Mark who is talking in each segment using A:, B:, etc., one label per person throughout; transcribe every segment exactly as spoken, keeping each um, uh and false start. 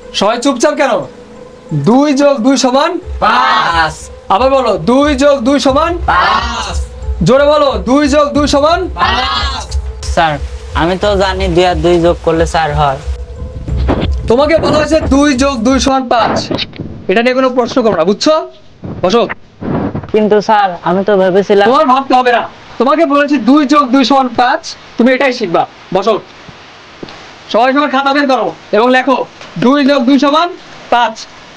A: সবাই চুপচাপ কেন? দুই যোগ দুই সমান
B: পাঁচ।
A: আবার বলো, দুই যোগ দুই সমান
B: পাঁচ।
A: জোরে বলো, দুই যোগ দুই সমান
B: পাঁচ।
C: স্যার আমি তো জানি দুই আর দুই যোগ করলে চার হয়।
A: তোমাকে বলা হয়েছে দুই যোগ দুই সমান পাঁচ। এটা নিয়ে কোনো প্রশ্ন করো না, বুঝছো? বসো।
C: কিন্তু স্যার আমি তো ভেবেছিলাম।
A: তোমার ভাবতে হবে না, তোমাকে বলেছি দুই যোগ দুই সমান পাঁচ, তুমি এটাই শিখবা। বসো। সবাই সবার খাতা বের করো এবং লেখো দুই যোগ দুই সমান পাঁচ।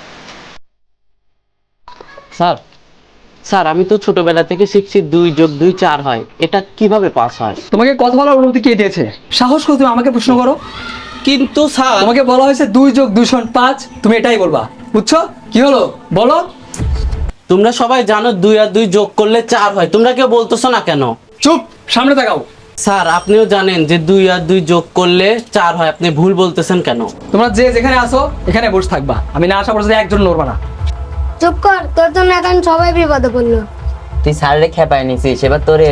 D: স্যার স্যার আমি তো ছোটবেলা থেকে শিখছি দুই যোগ দুই চার হয়, এটা কিভাবে পাস হয়?
A: তোমাকে কথা বলার অনুমতি কে দিয়েছে? সাহস করে তুমি আমাকে প্রশ্ন করো।
D: কিন্তু স্যার
A: তোমাকে বলা হয়েছে দুই যোগ দুই সমান পাঁচ, তুমি এটাই বলবা। বুঝছো? কি হলো বলো।
D: তোমরা সবাই জানো দুই আর দুই যোগ করলে চার হয়, তোমরা কেউ বলতেছো না কেন?
A: চুপ, সামনে তাকাও।
D: স্যার আপনিও জানেন যে দুই আর দুই যোগ করলে চার হয়, আপনি ভুল বলতেছেন কেন?
A: তোমরা যে যেখানে আসো এখানে বসে থাকবা, আমি না আসা পর্যন্ত একজন নড়বা না।
E: চুপ কর, তোর জন্য এখন সবাই বিপদে পড়লো।
C: তুই স্যারে খেপাই নিছিস, এবার তোরে।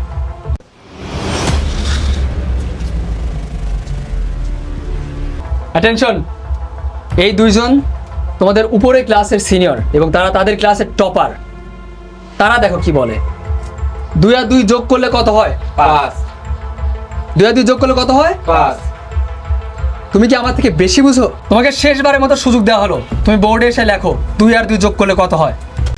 A: অ্যাটেনশন, এই দুইজন তোমাদের উপরে ক্লাসের সিনিয়র এবং তারা তাদের ক্লাসের টপার। তারা দেখো কি বলে। দুই আর দুই যোগ করলে কত হয়?
B: পাঁচ।
A: দুই আর দুই যোগ করলে কত হয়?
B: পাঁচ।
A: তুমি কি আমার থেকে বেশি বুঝো? তোমাকে শেষবারের মতো সুযোগ দেওয়া হলো, তুমি বোর্ডে এসে লেখো দুই আর দুই যোগ করলে কত হয়।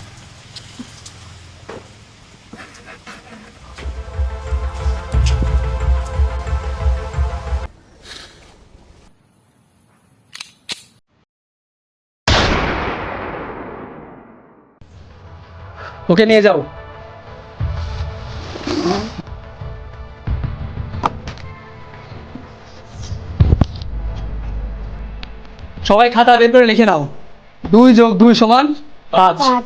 A: ওকে নিয়ে যাও। সবাই খাতা বের করে লিখে নাও, দুই যোগ দুই সমান পাঁচ।
E: পাঁচ।